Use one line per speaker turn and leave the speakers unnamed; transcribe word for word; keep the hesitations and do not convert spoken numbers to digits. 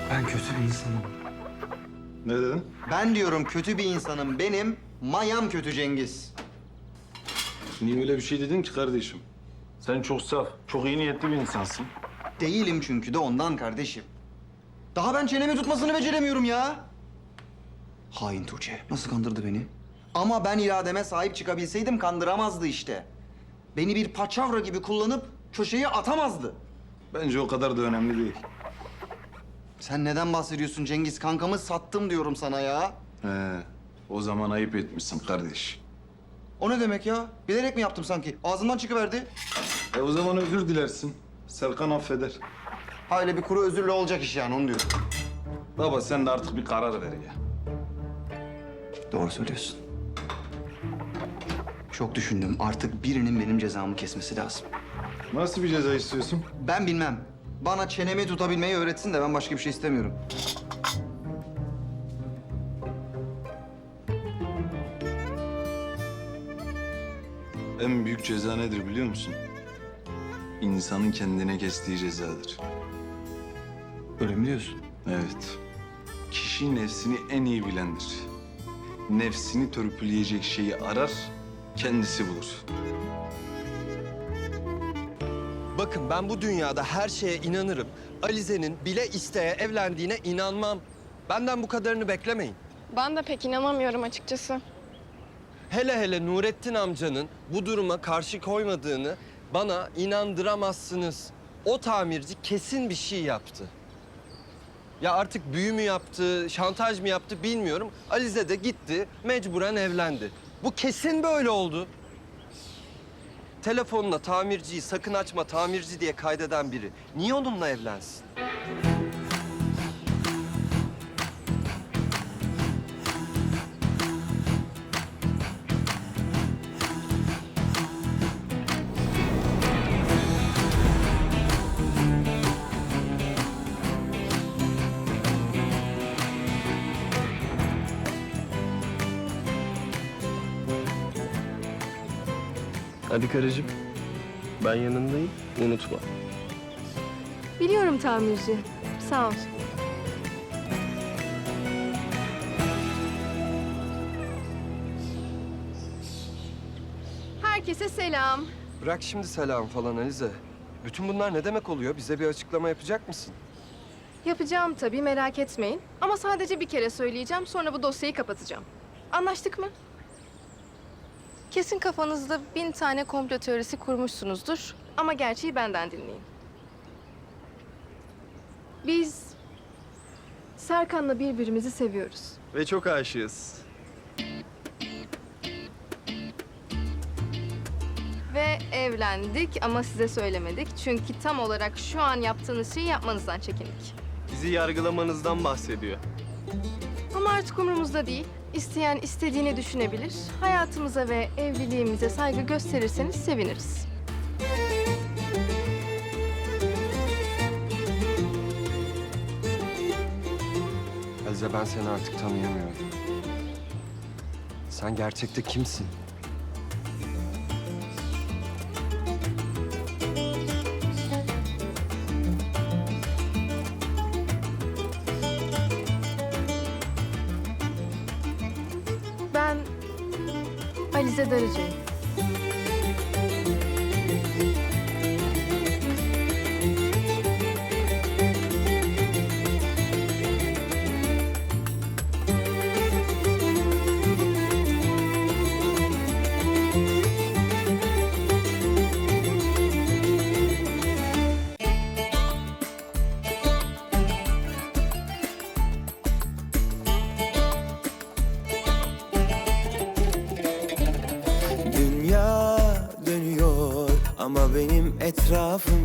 Ben kötü bir insanım.
Ne dedin?
Ben diyorum kötü bir insanım. Benim mayam kötü Cengiz.
Niye öyle bir şey dedin ki kardeşim? Sen çok saf, çok iyi niyetli bir insansın.
Değilim çünkü de ondan kardeşim. Daha ben çenemi tutmasını beceremiyorum ya. Hain Tuğçe. Nasıl kandırdı beni? Ama ben irademe sahip çıkabilseydim kandıramazdı işte. Beni bir paçavra gibi kullanıp köşeye atamazdı.
Bence o kadar da önemli değil.
Sen neden bahsediyorsun Cengiz? Kankamı sattım diyorum sana ya.
He, o zaman ayıp etmişsin kardeş.
O ne demek ya? Bilerek mi yaptım sanki? Ağzımdan çıkıverdi.
E o zaman özür dilersin. Serkan affeder.
Ha öyle bir kuru özürle olacak iş yani onu diyorum.
Baba sen de artık bir karar ver ya.
Doğru söylüyorsun. Çok düşündüm. Artık birinin benim cezamı kesmesi lazım.
Nasıl bir ceza istiyorsun?
Ben bilmem. Bana çenemi tutabilmeyi öğretsin de ben başka bir şey istemiyorum.
En büyük ceza nedir biliyor musun? İnsanın kendine kestiği cezadır.
Öyle mi diyorsun?
Evet. Kişi nefsini en iyi bilendir. Nefsini törpüleyecek şeyi arar, kendisi bulur.
Bakın ben bu dünyada her şeye inanırım. Alize'nin bile isteye evlendiğine inanmam. Benden bu kadarını beklemeyin.
Ben de pek inanamıyorum açıkçası.
Hele hele Nurettin amcanın bu duruma karşı koymadığını bana inandıramazsınız. O tamirci kesin bir şey yaptı. Ya artık büyü mü yaptı, şantaj mı yaptı bilmiyorum. Alize de gitti, mecburen evlendi. Bu kesin böyle oldu. Telefonuna tamirciyi sakın açma tamirci diye kaydeden biri niye onunla evlensin?
Hadi karıcığım. Ben yanındayım. Unutma.
Biliyorum tamirci. Sağ ol. Herkese selam.
Bırak şimdi selam falan Alize. Bütün bunlar ne demek oluyor? Bize bir açıklama yapacak mısın?
Yapacağım tabii merak etmeyin. Ama sadece bir kere söyleyeceğim sonra bu dosyayı kapatacağım. Anlaştık mı? Kesin kafanızda bin tane komplo teorisi kurmuşsunuzdur. Ama gerçeği benden dinleyin. Biz Serkan'la birbirimizi seviyoruz.
Ve çok aşığız.
Ve evlendik ama size söylemedik. Çünkü tam olarak şu an yaptığınız şeyi yapmanızdan çekindik.
Bizi yargılamanızdan bahsediyor.
Ama artık umurumuzda değil. İsteyen istediğini düşünebilir. Hayatımıza ve evliliğimize saygı gösterirseniz seviniriz.
Alize ben seni artık tanıyamıyorum. Sen gerçekte kimsin?
Ben Alize Darıcı'yım.
Dünya dönüyor ama benim etrafım